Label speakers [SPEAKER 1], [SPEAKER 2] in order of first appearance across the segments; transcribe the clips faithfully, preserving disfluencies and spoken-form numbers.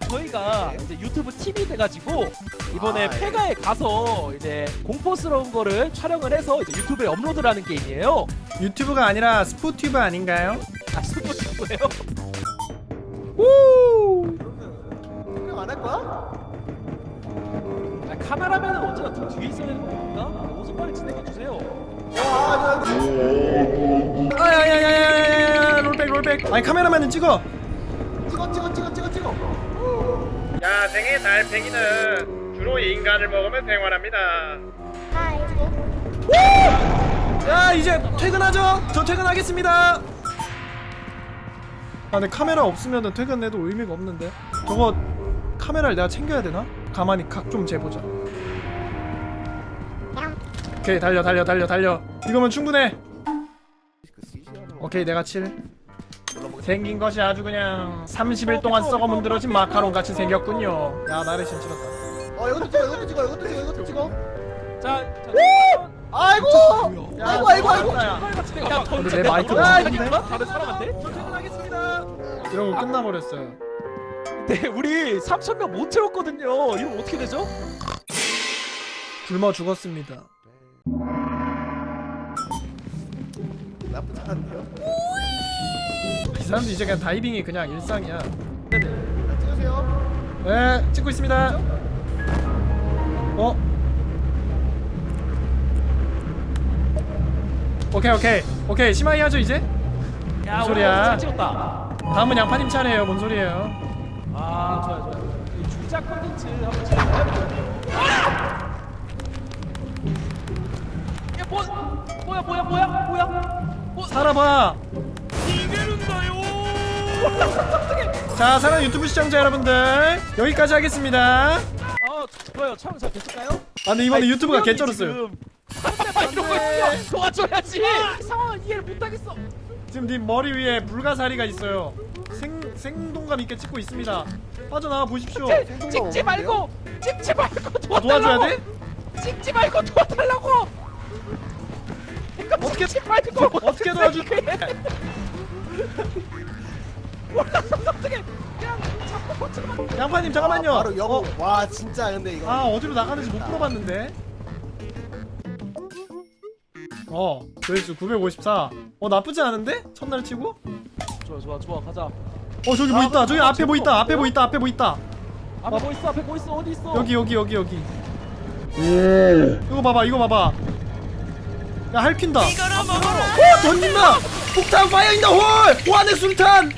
[SPEAKER 1] 저희가 이제 유튜브 팀이 돼가지고 이번에
[SPEAKER 2] 아, 예.
[SPEAKER 1] 폐가에 가서 이제 공포스러운 거를 촬영을 해서 이제 유튜브에 업로드를 하는 게임이에요.
[SPEAKER 3] 유튜브가 아니라 스포튜브 아닌가요?
[SPEAKER 1] 아 스포츠고요.
[SPEAKER 3] 우!
[SPEAKER 2] 촬영 안 할 거야?
[SPEAKER 1] 아, 카메라맨은 언제나 등 뒤에 있어야 되는 겁니까? 옷을 빨리 진행해 주세요.
[SPEAKER 2] 와,
[SPEAKER 3] 아야야야야야야 롤백 롤백. 아니 카메라맨은 찍어.
[SPEAKER 2] 찍어 찍어 찍어 찍어 찍어.
[SPEAKER 3] 야생의 달팽이는 주로 인간을 먹으면 생활합니다. 야 이제 퇴근하죠? 저 퇴근하겠습니다. 아 근데 카메라 없으면 퇴근해도 의미가 없는데 저거 카메라를 내가 챙겨야 되나? 가만히 각 좀 재보자. 오케이 달려 달려 달려 달려. 이거면 충분해. 오케이 내가 칠. 생긴 것이 아주 그냥 삼십 일 동안 썩어 문드러진 마카롱 같이 생겼군요. 야 나를 신치렀다.
[SPEAKER 2] 어 이것도 찍어 이것도 찍어 이것도 찍어 이것도 찍어.
[SPEAKER 1] 자, 자
[SPEAKER 2] 아이고.
[SPEAKER 3] 야,
[SPEAKER 2] 아이고 아이고 아이고.
[SPEAKER 3] 야,
[SPEAKER 1] 야,
[SPEAKER 3] 근데 내 마이크
[SPEAKER 1] 아,
[SPEAKER 3] 너무
[SPEAKER 1] 이니까 다른 사람한테? 저 퇴근하겠습니다.
[SPEAKER 3] 이런 거 끝나버렸어요.
[SPEAKER 1] 네, 우리 삼천 명 못 채웠거든요. 이러면 어떻게 되죠?
[SPEAKER 3] 굶어 죽었습니다.
[SPEAKER 2] 나쁘지 않은데요?
[SPEAKER 3] 이 사람들 이제 그냥 다이빙이 그냥 일상이야.
[SPEAKER 1] 네네.
[SPEAKER 2] 자, 찍으세요.
[SPEAKER 3] 네 찍고 있습니다. 어? 오케이 오케이 오케이 심하게 하죠 이제?
[SPEAKER 1] 야,
[SPEAKER 3] 뭔 소리야?
[SPEAKER 1] 잘 찍었다.
[SPEAKER 3] 다음은 양파님 차례예요. 뭔 소리예요?
[SPEAKER 1] 아, 좋아요, 좋아요. 이 주작 콘텐츠 한번 찍어봐야겠네요. 아! 야, 뭐, 뭐야, 뭐야, 뭐야, 뭐야? 뭐,
[SPEAKER 3] 살아봐.
[SPEAKER 1] 이게는다요.
[SPEAKER 3] 자 사랑 유튜브 시청자 여러분들 여기까지 하겠습니다. 아
[SPEAKER 1] 아, 좋아요. 촬영 잘 됐을까요?
[SPEAKER 3] 근데 이번에
[SPEAKER 1] 아니,
[SPEAKER 3] 유튜브가
[SPEAKER 1] 분명히
[SPEAKER 3] 개쩔었어요.
[SPEAKER 1] 지금 상대방 이러고 있으면 도와줘야지. 상황을 이해를 못하겠어.
[SPEAKER 3] 지금 네 머리 위에 불가사리가 있어요. 생 생동감 있게 찍고 있습니다. 빠져나와 보십시오.
[SPEAKER 1] 찍지 말고, 찍지 말고
[SPEAKER 3] 아, 도와줘야
[SPEAKER 1] 도와달라고.
[SPEAKER 3] 돼?
[SPEAKER 1] 찍지 말고 도와달라고.
[SPEAKER 3] 어떻게
[SPEAKER 1] 찍지 말고
[SPEAKER 3] 어떻게 도와줄게?
[SPEAKER 1] 몰랐어 어떻게 그냥 잡고 고치면.
[SPEAKER 3] 양파님 잠깐만요.
[SPEAKER 2] 바로 영어.
[SPEAKER 3] 어,
[SPEAKER 2] 와 진짜 근데 이거.
[SPEAKER 3] 아 어디로 나가는지 못 물어봤는데. 어 조회수 구백오십사. 어 나쁘지 않은데? 첫날 치고?
[SPEAKER 1] 좋아 좋아 좋아 가자.
[SPEAKER 3] 어 저기 뭐
[SPEAKER 1] 아,
[SPEAKER 3] 있다. 저기
[SPEAKER 1] 아,
[SPEAKER 3] 앞에 뭐
[SPEAKER 1] 재밌어.
[SPEAKER 3] 있다. 앞에 뭐 있다. 앞에 뭐 있다.
[SPEAKER 1] 앞에 뭐 있어 앞에 뭐 있어 어디 있어.
[SPEAKER 3] 여기 여기 여기 여기. 이거 봐봐 이거 봐봐. 야 할핀다.
[SPEAKER 1] 이거나 먹어라.
[SPEAKER 3] 오 던진다. 폭탄 파이어 인더 홀. 와내 술탄.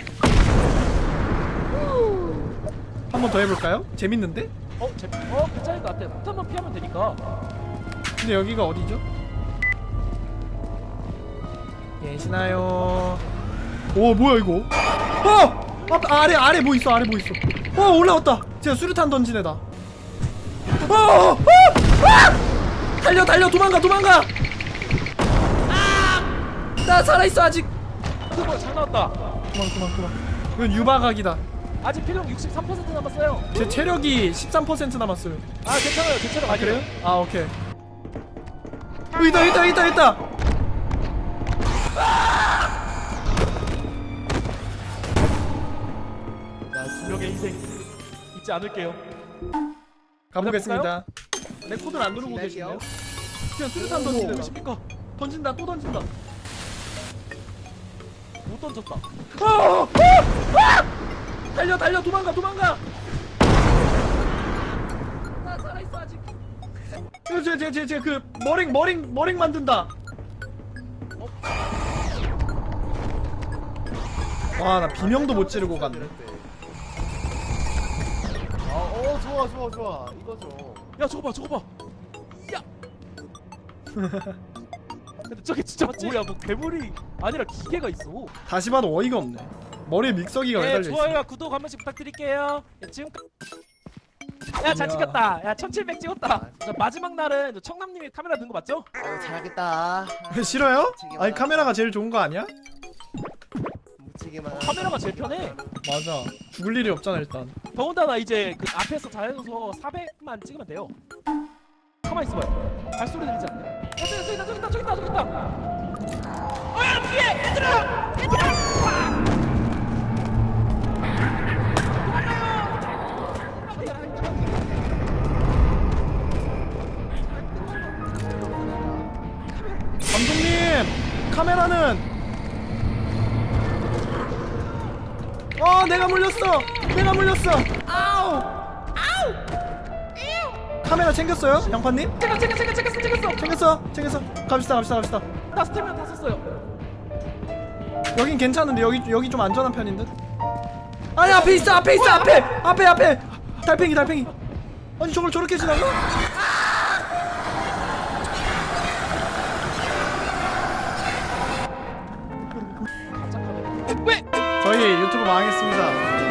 [SPEAKER 3] 한 번 더 해볼까요? 재밌는데?
[SPEAKER 1] 어 재, 어 괜찮을 것 같아. 폭탄만 피하면 되니까.
[SPEAKER 3] 근데 여기가 어디죠? 계시나요? 오 뭐야 이거? 어! 앞, 아래 아래 뭐 있어 아래 뭐 있어? 어 올라왔다. 제가 수류탄 던진 애다. 어! 어! 아! 달려 달려 도망가 도망가. 아! 나 살아있어 아직.
[SPEAKER 1] 그거 잘 나왔다.
[SPEAKER 3] 그만 그만 그만. 이건 유바각이다.
[SPEAKER 1] 아직 필력 육십삼 퍼센트 남았어요.
[SPEAKER 3] 제 체력이 십삼 퍼센트 남았어요.
[SPEAKER 1] 아 괜찮아요 괜찮아요.
[SPEAKER 3] 아 그래요? 아 오케이. 어, 있다 있다 있다 있다.
[SPEAKER 1] 나 수명의 희생 잊지 않을게요.
[SPEAKER 3] 가보겠습니다. 내 코드를 안 누르고
[SPEAKER 2] 기다릴게요.
[SPEAKER 3] 계시네요. 그냥 수류탄 던지는 것입니까? 던진다 또 던진다.
[SPEAKER 1] 못 던졌다.
[SPEAKER 3] 어! 어! 아! 달려 달려 도망가 도망가. 나 살아있어 아직. 제제제제그 머링 머링 머링 만든다. 와 나 비명도 못 지르고 갔네.
[SPEAKER 2] 아어 좋아 좋아 좋아 이거죠.
[SPEAKER 1] 야 저거 봐 저거 봐. 야. 근데 저게 진짜 뭐야 뭐 괴물이 아니라 기계가 있어.
[SPEAKER 3] 다시 봐도 어이가 없네. 머리에 믹서기가 왜
[SPEAKER 1] 네
[SPEAKER 3] 달려 있어?
[SPEAKER 1] 좋아요와 구독 한 번씩 부탁드릴게요. 야, 지금 야 잘
[SPEAKER 3] 야.
[SPEAKER 1] 찍혔다. 야 천칠백 찍었다. 저 마지막 날은 청남님이 카메라 든 거 맞죠?
[SPEAKER 2] 어 잘하겠다.
[SPEAKER 3] 싫어요? 아니 카메라가 제일 좋은 거 아니야?
[SPEAKER 2] 묻히기만.
[SPEAKER 1] 카메라가 제일 편해.
[SPEAKER 3] 맞아. 죽을 일이 없잖아 일단.
[SPEAKER 1] 더군다나 이제 그 앞에서 잘해줘서 사백만 찍으면 돼요. 가만 있어봐요. 발소리 들리지 않나요? 야, 저기 있다, 저기 있다, 저기 있다, 저기 있다. 어야 뒤에 얘들아, 얘들아. 도망가요.
[SPEAKER 3] 어 내가 물렸어 내가 물렸어 아우 아우 카메라 챙겼어요 양파님?
[SPEAKER 1] 챙겨 챙겨 챙겨 챙겼어 챙겼어.
[SPEAKER 3] 챙겼어 챙겼어 갑시다 갑시다 갑시다
[SPEAKER 1] 나 스태미나 다 썼어요.
[SPEAKER 3] 여긴 괜찮은데 여기 여기 좀 안전한 편인 듯 아니 앞에 있어 앞에 있어 앞에 앞에 앞에 달팽이 달팽이 아니 저걸 저렇게 지나가?
[SPEAKER 1] 깜짝하네. 왜?
[SPEAKER 3] 저희 유튜브 망했습니다